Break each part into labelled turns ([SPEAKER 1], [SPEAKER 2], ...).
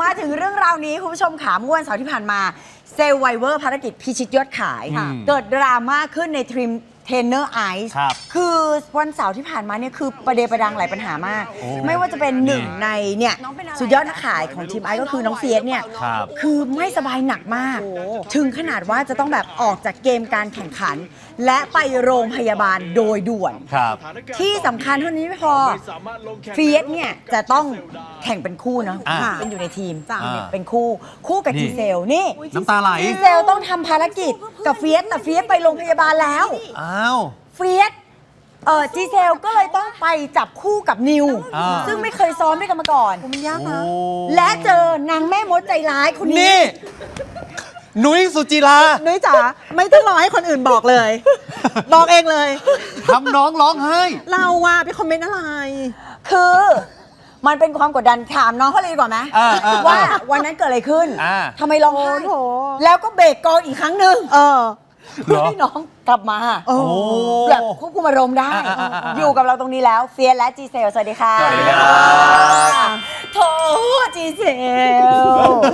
[SPEAKER 1] มาถึงเรื่องราวนี้คุณผู้ชมขาเมื่อวันเสาร์ที่ผ่านมาเซลไวเวอร์ภารกิจพิชิตยอดขายเกิดดราม่าขึ้นในทีมเทรนเนอร์ไอซ์คือวันเสาร์ที่ผ่านมาเนี่ยคือประเดประดังหลายปัญหามาก ไม่ว่าจะเป็นหนึ่งในเนี่ยสุดยอดนักขายของทีมไอซ์ก็คือน้องเฟียสเนี่ยคือไม่สบายหนักมาก ถึงขนาดว่าจะต้องแบบออกจากเกมการแข่งขัน และไปโรงพยาบาลโดยด่วนที่สำคัญเท่านี้ไม่พอเฟียสเนี่ยจะต้องแข่งเป็นคู่เนาะเป็นอยู่ในทีมเป็นคู่กับจีเซลนี่
[SPEAKER 2] น้ำตาไหล
[SPEAKER 1] จีเซลต้องทำภารกิจกับเฟียสแต่เฟียสไปโรงพยาบาลแล้วเฟียสจีเซลก็เลยต้องไปจับคู่กับนิวซึ่งไม่เคยซ้อมด้วยกันมาก่อน
[SPEAKER 3] มันยากนะ
[SPEAKER 1] และเจอนางแม่มดใจร้ายคนนี้
[SPEAKER 2] นุ้ยสุจิรา
[SPEAKER 3] นุ้ยจ๋าไม่ต้องรอให้คนอื่นบอกเลย บอกเองเลย
[SPEAKER 2] ทำน้องร้องไห้
[SPEAKER 3] เราว่าไปคอมเมนต์อะไร
[SPEAKER 1] คือมันเป็นความกดดันถามน้องเขาเลยดีกว่าไหมว่าวันนั้นเกิดอะไรขึ้นทำไมร้องไห้แล้วก็เบรกกองอีกครั้งหนึ่งเพื่อให้น้องกลับมาแบบควบคุมอารมณ์ได้อยู่กับเราตรงนี้แล้วเฟียสและจีเซลสวัสดีค่ะ
[SPEAKER 2] สวัสดีครับ
[SPEAKER 1] โถจีเซล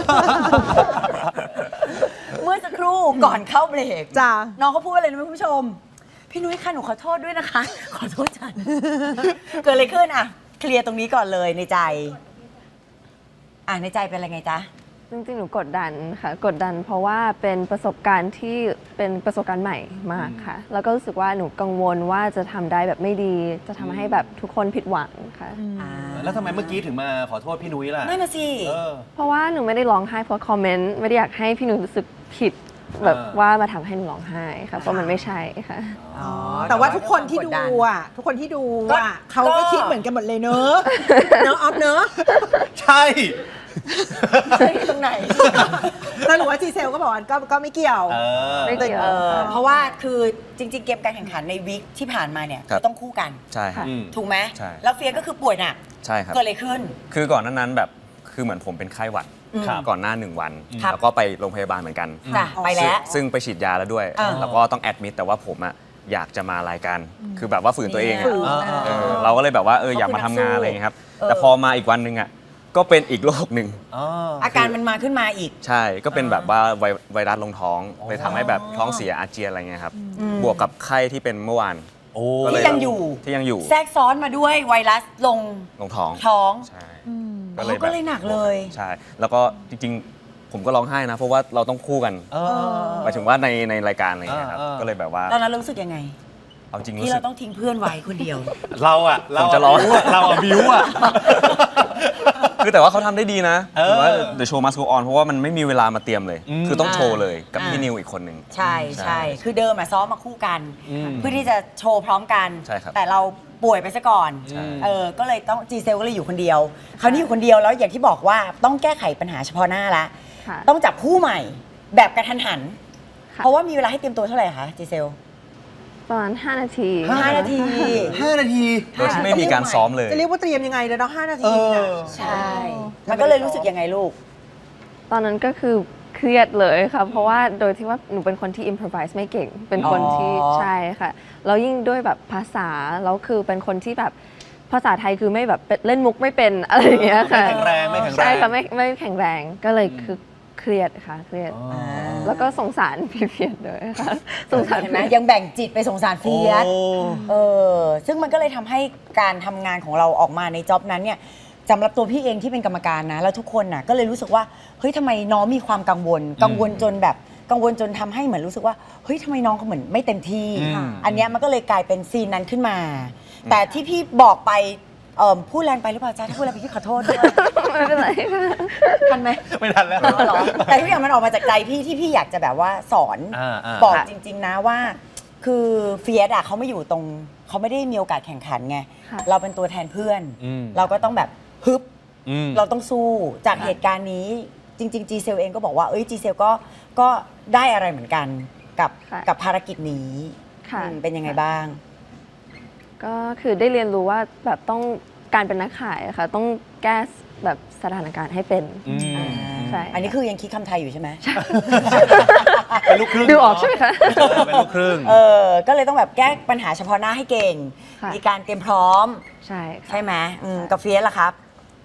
[SPEAKER 1] เมื่อสักครู่ก่อนเข้าเบรก
[SPEAKER 3] จ้า
[SPEAKER 1] น้องเขาพูดอะไรนะคุณผู้ชมพี่นุ้ยค่ะหนูขอโทษด้วยนะคะขอโทษจันเกิดอะไรขึ้นอ่ะเคลียร์ตรงนี้ก่อนเลยในใจในใจเป็นอะไรไงจ๊ะ
[SPEAKER 4] จริงๆหนูกดดันค่ะกดดันเพราะว่าเป็นประสบการณ์ที่เป็นประสบการณ์ใหม่มากค่ะแล้วก็รู้สึกว่าหนูกังวลว่าจะทำได้แบบไม่ดีจะทำให้แบบทุกคนผิดหวังค่ะ
[SPEAKER 2] แล้วทำไมเมื่อกี้ถึงมาขอโทษพี่นุ้ยล่ะ
[SPEAKER 1] นั่นน่ะสิ
[SPEAKER 4] เพราะว่าหนูไม่ได้ร้องไห้เพราะคอมเมนต์ไม่ได้อยากให้พี่นุ้ยรู้สึกผิดแบบว่ามาทำให้หนูร้องไห้ค่ะเพราะมันไม่ใช่ค่ะ
[SPEAKER 3] แต่ว่าทุกคนที่ดูทุกคนที่ดูเขาก็คิดเหมือนกันหมดเลยเนอะเนอะออฟเนอะ
[SPEAKER 2] ใช่
[SPEAKER 1] ตรงไหน
[SPEAKER 3] แต่หนูว่าจีเซลก็บอกก็ไม่เกี่ยว
[SPEAKER 4] ไม่เกี่ยว
[SPEAKER 1] เพราะว่าคือจริงๆเกมการแข่งขันในวีคที่ผ่านมาเนี่ยต้องคู่กัน
[SPEAKER 5] ใช่ครับ
[SPEAKER 1] ถูกไหมแล้วเฟียก็คือป่วยหนัก
[SPEAKER 5] ใช่ครับ
[SPEAKER 1] เกิดอะไรขึ้น
[SPEAKER 5] คือก่อนนั้นแบบคือเหมือนผมเป็นไข้หวัดก่อนหน้า1 วันแล้วก็ไปโรงพยาบาลเหมือนกัน
[SPEAKER 1] ไปแล้ว
[SPEAKER 5] ซึ่งไปฉีดยาแล้วด้วยแล้วก็ต้องแอดมิดแต่ว่าผมอยากจะมารายการคือแบบว่าฝืนตัวเองเราก็เลยแบบว่าอยากมาทำงานอะไรอย่างเงี้ยครับแต่พอมาอีกวันนึงก็เป็นอีกโรคหนึ่ง
[SPEAKER 1] อาการมันมาขึ้นมาอีก
[SPEAKER 5] ใช่ก็เป็นแบบว่าไวรัสลงท้องเลยทำให้แบบท้องเสียอาเจียนอะไรเงี้ยครับบวกกับไข้ที่เป็นเมื่อวาน
[SPEAKER 1] ที่ยังอยู่แทรกซ้อนมาด้วยไวรัสลงท้อง
[SPEAKER 5] ใช่
[SPEAKER 1] ก็เลยหนักเลย
[SPEAKER 5] ใช่แล้วก็จริงๆผมก็ร้องไห้นะเพราะว่าเราต้องคู่กันหมายถึงว่าในรายการอะไรเงี้ยครับก็เลยแบบว่า
[SPEAKER 1] ตอนนั้นรู้สึกยังไง
[SPEAKER 5] เอาจริง
[SPEAKER 1] ที่เราต้องทิ้งเพื่อนไว้คนเดียว
[SPEAKER 2] เรา
[SPEAKER 5] จะร้อง
[SPEAKER 2] เราบิว
[SPEAKER 5] คือแต่ว่าเขาทำได้ดีนะถือว่า The Show Must Go On เพราะว่ามันไม่มีเวลามาเตรียมเลยคือต้องโชว์เลยกับพี่นิวอีกคนหนึ่ง
[SPEAKER 1] ใช่คือเดิมซ้อมมาคู่กันเพื่อที่จะโชว์พร้อมกันแต่เราป่วยไปซะก่อนก็เลยต้องจีเซลก็เลยอยู่คนเดียวคราวนี้อยู่คนเดียวแล้วอย่างที่บอกว่าต้องแก้ไขปัญหาเฉพาะหน้าละต้องจับคู่ใหม่แบบกระทันหันเพราะว่ามีเวลาให้เตรียมตัวเท่าไหร่คะจีเซล
[SPEAKER 4] ประมาณ5 นาที
[SPEAKER 1] 5 นาที
[SPEAKER 5] โดยที่ไม่มีการซ้อมเลย
[SPEAKER 3] จะเรียกว่าเตรียมยังไงเดี๋ยว5 นาที
[SPEAKER 1] ใช่มันก็เลยรู้สึกยังไงลูก
[SPEAKER 4] ตอนนั้นก็คือเครียดเลยค่ะเพราะว่าโดยที่ว่าหนูเป็นคนที่ improvise ไม่เก่งเป็นคนที่ใช่ค่ะแล้วยิ่งด้วยแบบภาษาแล้วคือเป็นคนที่แบบภาษาไทยคือไม่แบบเล่นมุกไม่เป็นอะไรอย่างเงี้ยค่ะ
[SPEAKER 2] ไม่แข็งแรง
[SPEAKER 4] ใช่ค่ะไม่แข็งแรงก็เลยคือเครียดค่ะเครียดแล้วก็สงสารพี่เฟียสด้วยค่ะสงสาร
[SPEAKER 1] เห็นไหมยังแบ่งจิตไปสงสารเฟียสซึ่งมันก็เลยทำให้การทำงานของเราออกมาในจ็อบนั้นเนี่ยสำหรับตัวพี่เองที่เป็นกรรมการนะแล้วทุกคนน่ะก็เลยรู้สึกว่าเฮ้ยทำไมน้องมีความกังวลจนแบบกังวลจนทำให้เหมือนรู้สึกว่าเฮ้ยทำไมน้องเขาเหมือนไม่เต็มที่อันเนี้ยมันก็เลยกลายเป็นซีนนั้นขึ้นมาแต่ที่พี่บอกไปพูดแรงไปหรือเปล่าจ๊ะถ้าพูดแรงไปพี่ขอโทษด้วย
[SPEAKER 4] ไม่เป็นไร
[SPEAKER 1] ทันไหม
[SPEAKER 2] ไม่ทันแล้ว
[SPEAKER 1] แต่ทุกอย่างมันออกมาจากใจพี่ที่พี่อยากจะแบบว่าสอนบอกจริงๆนะว่าคือเฟียสเขาไม่อยู่ตรงเขาไม่ได้มีโอกาสแข่งขันไงเราเป็นตัวแทนเพื่อนเราก็ต้องแบบฮึบเราต้องสู้จากเหตุการณ์นี้จริงๆจีเซลเองก็บอกว่าจีเซลก็ได้อะไรเหมือนกันกับภารกิจนี้เป็นยังไงบ้าง
[SPEAKER 4] ก็คือได้เรียนรู้ว่าแบบต้องการเป็นนักขายค่ะต้องแก้แบบสถานการณ์ให้เป็น
[SPEAKER 1] ใช่อันนี้คือยังคิดคำไทยอยู่ใช่ไหม
[SPEAKER 2] เป็นลูกครึ่ง
[SPEAKER 4] ดูออกใช่ไหมคะ
[SPEAKER 2] เป็นลูกครึ่ง
[SPEAKER 1] ก็เลยต้องแบบแก้ปัญหาเฉพาะหน้าให้เก่งมีการเตรียมพร้อมใช่ไหมกับเฟียสล่ะครับ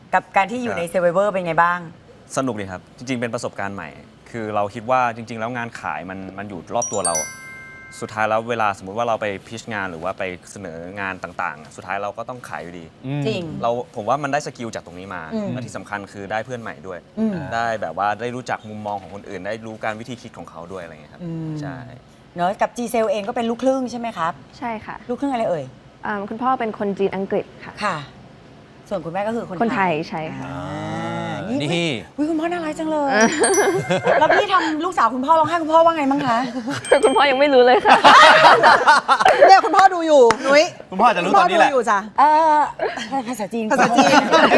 [SPEAKER 1] กับการที่อยู่ใน Survivor เป็นไงบ้าง
[SPEAKER 5] สนุกดีครับ จริง ๆ เป็นประสบการณ์ใหม่ คือเราคิดว่าจริง ๆ แล้วงานขายมันอยู่รอบตัวเรา สุดท้ายแล้วเวลาสมมุติว่าเราไปพิชงานหรือว่าไปเสนองานต่างๆ สุดท้ายเราก็ต้องขายอยู่ดี
[SPEAKER 1] จริง
[SPEAKER 5] ผมว่ามันได้สกิลจากตรงนี้มา
[SPEAKER 1] อืม
[SPEAKER 5] และที่สำคัญคือได้เพื่อนใหม่ด้วย
[SPEAKER 1] อืม
[SPEAKER 5] ได้แบบว่าได้รู้จักมุมมองของคนอื่น ได้รู้การวิธีคิดของเขาด้วยอะไรอย่างเงี้ยครับ
[SPEAKER 1] อืม
[SPEAKER 5] ใช่
[SPEAKER 1] เนอะกับจีเซลเองก็เป็นลูกครึ่งใช่ไหมครับ
[SPEAKER 4] ใช่ค่ะ
[SPEAKER 1] ลูกครึ่งอะไรเอ่ย
[SPEAKER 4] คุณพ่อเป็นคนจีนอังกฤษค่ะ
[SPEAKER 1] ค่ะ ส่วนคุณแม่ก็คือ
[SPEAKER 4] คนไทยใช่ค่ะ
[SPEAKER 2] นี่
[SPEAKER 1] อุ๊ยคุณพ่อน่ารักจังเลย แล้วพี่ทำลูกสาวคุณพ่อร้องไห้คุณพ่อว่าไงบ้างคะ
[SPEAKER 4] คุณพ่อยังไม่รู้เลยค่ะ
[SPEAKER 3] เนี่ยคุณพ่อดูอยู่นุ้ย
[SPEAKER 2] คุณพ่อจะรู้ตอนนี้แหละ
[SPEAKER 3] คุณพ่ดูอยู่จ้ะ
[SPEAKER 1] ภาษาจีน
[SPEAKER 3] ภาษาจีน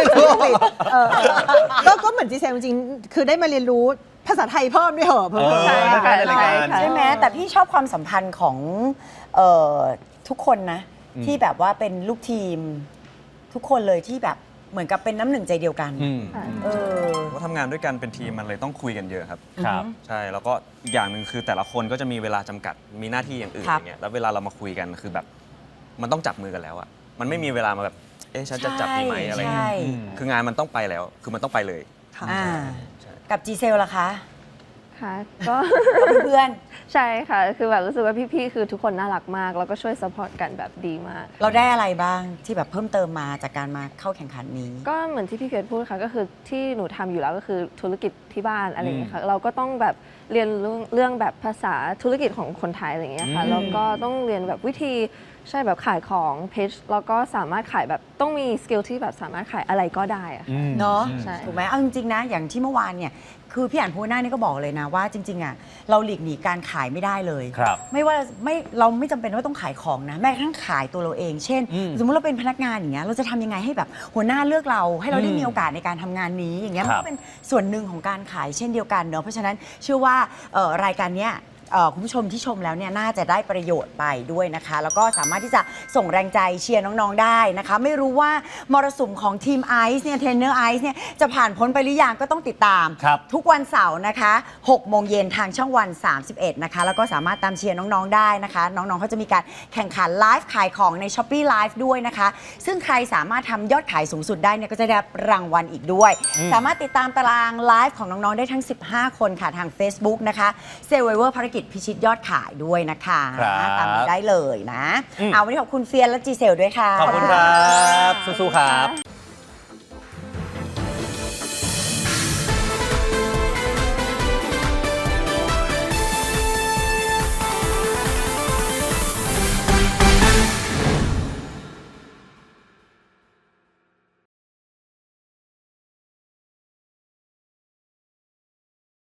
[SPEAKER 3] ก็เหมือนจีเซลจริงๆคือได้มาเรียนรู้ภาษาไทยเพิ่มด้วยเหรอเพิ่ม
[SPEAKER 4] ใช่ค่ะ
[SPEAKER 2] ในรายการ
[SPEAKER 4] ใช่
[SPEAKER 1] ใช่ไหมแต่พี่ชอบความสัมพันธ์ของเอ่อทุกคนนะ ที่แบบว่าเป็นลูกทีม ทุกคนเลยที่แบบเหมือนกับเป็นน้ำหนึ่งใจเดียวกัน เออ
[SPEAKER 5] ก็ทำงานด้วยกันเป็นทีมมันเลยต้องคุยกันเยอะครับ
[SPEAKER 2] ครับ
[SPEAKER 5] ใช่ แล้วก็อีกอย่างหนึ่งคือแต่ละคนก็จะมีเวลาจำกัด มีหน้าที่อย่างอื่น
[SPEAKER 1] ครั
[SPEAKER 5] อบ ย่างเงี้ย แล้วเวลาเรามาคุยกันคือแบบมันต้องจับมือกันแล้วอะมันไม่มีเวลามาแบบ เอ๊ะฉันจะจับดีไหมอะไร
[SPEAKER 1] ใช่
[SPEAKER 5] เงี้ย คืองานมันต้องไปแล้ว คือมันต้องไปเลย
[SPEAKER 1] อ่ากับจีเซลล่ะคะ
[SPEAKER 4] ค่ะ ก็
[SPEAKER 1] กับเพื่อน
[SPEAKER 4] ใช่ค่ะ คือแบบรู้สึกว่าพี่ๆ คือทุกคนน่ารักมาก แล้วก็ช่วยซัพพอร์ตกันแบบดีมาก
[SPEAKER 1] เราได้อะไรบ้างที่แบบเพิ่มเติมมาจากการมาเข้าแข่งขันนี้
[SPEAKER 4] ก็เหมือนที่พี่เกดพูดค่ะ ก็คือที่หนูทำอยู่แล้วก็คือธุรกิจที่บ้านอะไรอย่างเงี้ยค่ะ เราก็ต้องแบบเรียนเรื่องแบบภาษาธุรกิจของคนไทยอะไรอย่างเงี้ยค่ะ แล้วก็ต้องเรียนแบบวิธีใช่แบบขายของเพจแล้วก็สามารถขายแบบต้องมีสกิลที่แบบสามารถขายอะไรก็ได้อะค่ะ
[SPEAKER 1] เนาะ
[SPEAKER 4] ใช่
[SPEAKER 1] ถูกไหมเอาจริงๆนะ อย่างที่เมื่อวานเนี่ย คือพี่อ่านโพสต์หน้านี่ก็บอกเลยนะว่าจริงๆอ่ะเราหลีกหนีการขายไม่ได้เลย
[SPEAKER 2] ครับ
[SPEAKER 1] ไม่ว่าเราไม่จำเป็นว่าต้องขายของนะ แม้กระทั่งขายตัวเราเอง เช่น สมมติเราเป็นพนักงานอย่างเงี้ยเราจะทำยังไงให้แบบหัวหน้าเลือกเราให้เราได้มีโอกาสในการทำงานนี้อย่างเงี้ยมัน
[SPEAKER 2] ครั
[SPEAKER 1] ก็
[SPEAKER 2] บ
[SPEAKER 1] เป็นส่วนหนึ่งของการขายเช่นเดียวกันเนอะเพราะฉะนั้นเชื่อว่ารายการเนี้ยคุณผู้ชมที่ชมแล้วเนี่ยน่าจะได้ประโยชน์ไปด้วยนะคะ แล้วก็สามารถที่จะส่งแรงใจเชียร์น้องๆได้นะคะ ไม่รู้ว่ามรสุมของทีมไอซ์เนี่ยเทรนเนอร์ไอซ์เนี่ยจะผ่านพ้นไปหรือยังก็ต้องติดตาม
[SPEAKER 2] ครับ
[SPEAKER 1] ทุกวันเสาร์นะคะ6 โมงเย็นทางช่องวัน 31 นะคะ แล้วก็สามารถตามเชียร์น้องๆได้นะคะ น้องๆเขาจะมีการแข่งขันไลฟ์ขายของใน Shopee Live ด้วยนะคะ ซึ่งใครสามารถทำยอดขายสูงสุดได้เนี่ยก็จะได้รับรางวัลอีกด้วย สามารถติดตามตารางไลฟ์ของน้องๆได้ทั้ง 15 คนค่ะทาง Facebook นะคะ Survivor ภารกิจพิชิตยอดขายด้วยนะคะ
[SPEAKER 2] ครับ
[SPEAKER 1] ตามนี้ได้เลยนะ เอาวันนี้ขอบคุณเฟียนและจีเซลด้วยค่ะ
[SPEAKER 2] ขอบคุณครับ สู้ๆครับ